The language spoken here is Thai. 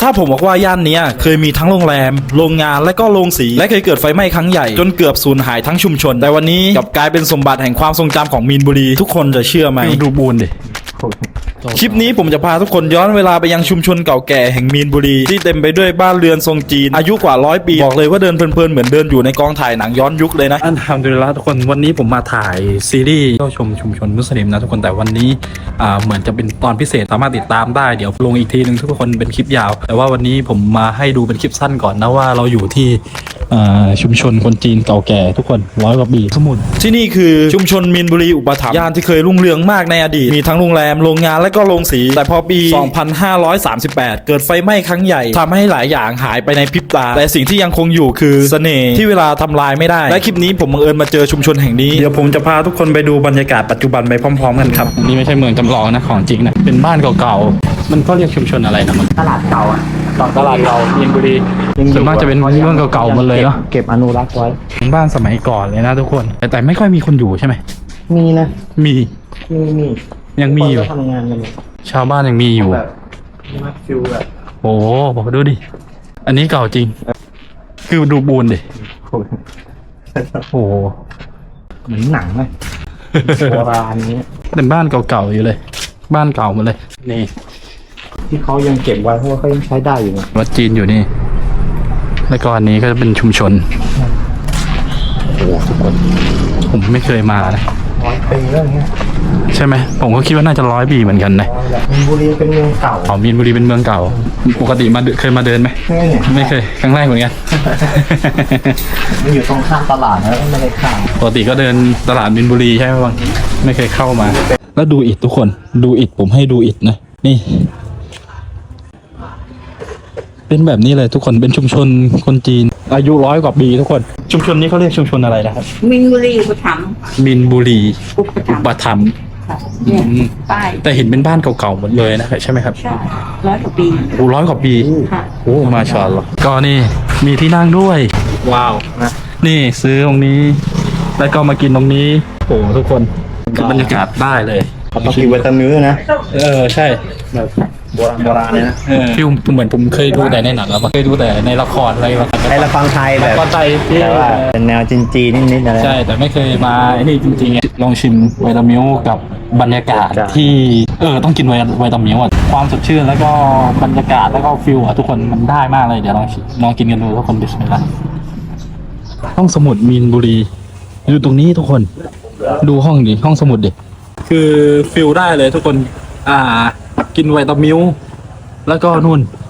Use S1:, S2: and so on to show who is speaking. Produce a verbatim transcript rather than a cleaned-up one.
S1: าผมบอกว่าย่านนี้เคยมีทั้งโรงแรมโรงงานและก็โรงสีและเคยเกิดไฟไหม้ครั้งใหญ่จนเกือบสูญหายทั้งชุมชนแต่วันนี้กลับกลายเป็นสมบัติแห่งความทรงจำของมีนบุรีทุกคนจะเชื่อไหมดูบูนดิคลิปนี้ผมจะพาทุกคนย้อนเวลาไปยังชุมชนเก่าแก่แห่งมีนบุรีที่เต็มไปด้วยบ้านเรือนทรงจีนอายุกว่าร้อยปีบอกเลยว่าเดินเพลินๆเหมือนเดินอยู่ในกองถ่ายหนังย้อนยุคเลยนะ
S2: อันทำดูแล้วทุกคนวันนี้ผมมาถ่ายซีรีส์เข้าชมชุมชนมุสลิมนะทุกคนแต่วันนี้อ่าเหมือนจะเป็นตอนพิเศษสามารถติดตามได้เดี๋ยวลงอีกทีนึงทุกคนเป็นคลิปยาวแต่ว่าวันนี้ผมมาให้ดูเป็นคลิปสั้นก่อนนะว่าเราอยู่ที่ชุมชนคนจีนเก่าแก่ทุกคนร้อยกว่าปีสมุน
S1: ที่นี่คือชุมชนมีนบุรีอุปถัมภ์ย่านที่เคยรุ่งเรืองมากในอดีตมีทั้งโรงแรมโรงงานและก็โรงสีแต่พอปี สองพันห้าร้อยสามสิบแปด เกิดไฟไหม้ครั้งใหญ่ทำให้หลายอย่างหายไปในพริบตาแต่สิ่งที่ยังคงอยู่คือเสน่ห์ที่เวลาทำลายไม่ได้และคลิปนี้ผมบังเอิญมาเจอชุมชนแห่งนี้เดี๋ยวผมจะพาทุกคนไปดูบรรยากาศปัจจุบันไปพร้อมๆกันครับ
S2: นี่ไม่ใช่เมืองจำลองนะของจริงนะเป็นบ้านเก่าๆมันก็เรียกชุมชนอะไรนะมัน
S3: ตลาดเก่าอ่ะ
S2: ตลาดเก่ามีนบุรีส่วนมากจะเป็นเรื่องเก่าๆหมดเลยเนาะ
S3: เก็บอนุรักษ์ไว้
S2: เป็นบ้านสมัยก่อนเลยนะทุกคนแต่แต่ไม่ค่อยมีคนอยู่ใช่ไหม
S3: มีนะ
S2: มี
S3: มีมี
S2: ยังมีอยู่
S3: ทำงานกัน
S2: ชาวบ้านยังมีอยู่
S3: แบบมาฟิลแบบ
S2: โอ้บอกดูดิอันนี้เก่าจริงคือดูบูนดิโอ้
S3: เหมือนหนังเลยโบราณนี้
S2: เป็นบ้านเก่าๆอยู่เลยบ้านเก่าหมดเลยนี่
S3: ที่เขายังเก็บไว้เพราะว่าเขายังใช้ได้อยู่นะ
S2: วัดจีนอยู่นี่แล้วก็อันนี้ก็จะเป็นชุมชนโอ้ทุกคนผมไม่เคยมานะ
S3: ร้อยปีแล้วเงี้ย
S2: ใช่ไหมผมก็คิดว่าน่าจะร้อยปีเหมือนกันนะ
S3: มีนบุรีเป็นเมืองเก่า
S2: อ๋อมีนบุรีเป็นเมืองเก่าปกติมาเคยมาเดินไหมไม่เคยครั้งแรกเหมือนกัน
S3: มันอยู่ตรงข้ามตลาดนะไม่ได้ข้าม
S2: ปกติก็เดินตลาดมีนบุรีใช่ไหมบางไม่เคยเข้ามาแล้วดูอิฐทุกคนดูอิฐผมให้ดูอิฐนะนี่เป็นแบบนี้เลยทุกคนเป็นชุมชนคนจีนอายุร้อยกว่าปีทุกคนชุมชนนี้เขาเรียกชุมชนอะไรนะครับ
S4: มินบุรีอุปถัมภ์
S2: มินบุรี
S4: อุปถัมภ์
S2: ป้ายแต่เห็นเป็นบ้านเก่าๆหมดเลยนะใช่ไหมครับ
S4: ใช่ร้อยกว่าปี
S2: โอ้ร้อยกว่าปีโอ้มาชาอัลลอฮ์ก็นี่มีที่นั่งด้วยว้าวนะนี่ซื้อตรงนี้แล้วก็มากินตรงนี้โอ้ทุกคนคือบรรยากาศได้เลย
S3: ต้องกินวิตามินนะ
S2: เออใช่
S3: แบบโบราณโบราณเลยนะ
S2: ฟิลเหมือนผมเคยดูแต่ในหนังแล้วเคยดูแต่ในละครอะไร
S3: ในละครไทยแบบ
S2: ละครไทย
S3: แต่ว่าเป็นแนวจีนๆนิดๆอะไร
S2: ใช่แต่ไม่เคยมาไอ้นี่จริงๆลองชิมไวตามิลกับบรรยากาศที่เออต้องกินไวไวตามิลอ่ะความสดชื่นแล้วก็บรรยากาศแล้วก็ฟิลอ่ะทุกคนมันได้มากเลยเดี๋ยวลองลองกินกันดูทุกคนบิสมิลลาห์ห้องสมุดมีนบุรีอยู่ตรงนี้ทุกคนดูห้องดิห้องสมุดดิคือฟิลได้เลยทุกคนอ่ากินไวตามิลแล้วก็นู่น